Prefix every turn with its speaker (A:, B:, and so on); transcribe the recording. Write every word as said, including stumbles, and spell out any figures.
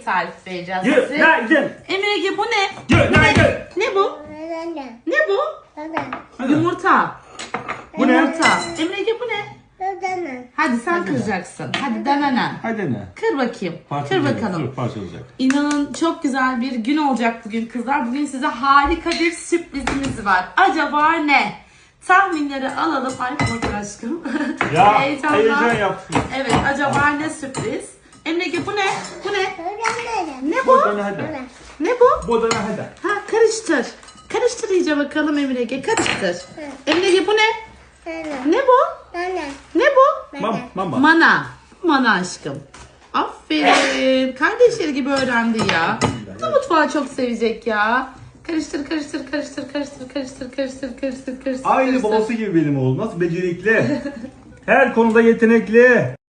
A: tarif vereceğiz size.
B: Günaydın.
A: Emir Ege bu ne?
B: Günaydın.
A: Ne bu? Ne bu?
B: Hadi.
A: Yumurta.
B: Bu ne?
A: Yumurta. Emir Ege bu ne? Hadi sen kıracaksın. Hadi denenen.
B: Hadi ne?
A: Kır bakayım. Kır
B: Parçalayacak,
A: bakalım.
B: dur, parçalayacak.
A: İnanın çok güzel bir gün olacak bugün kızlar. Bugün size harika bir sürprizimiz var. Acaba ne? Tahminleri alalım. Ay korkun aşkım.
B: Ya
A: Heyecandan.
B: heyecan yaptım.
A: Evet, acaba ne sürpriz? Emre bu ne? Bu ne? Ne bu?
B: Bu da ne hadi.
A: Ne bu?
B: Bu da ne hadi.
A: Ha, karıştır. Karıştır iyice bakalım Emre Ege. Karıştır. Emre bu ne? Ne bu? Ne bu?
B: Mam, mama.
A: Mana. Mana aşkım. Aferin. Kardeşleri gibi öğrendi ya. Bu mutfağı çok sevecek ya. Karıştır, karıştır, karıştır, karıştır, karıştır, karıştır, karıştır, karıştır.
B: Aynı
A: karıştır.
B: babası gibi benim oğlum. Nasıl becerikli. Her konuda yetenekli.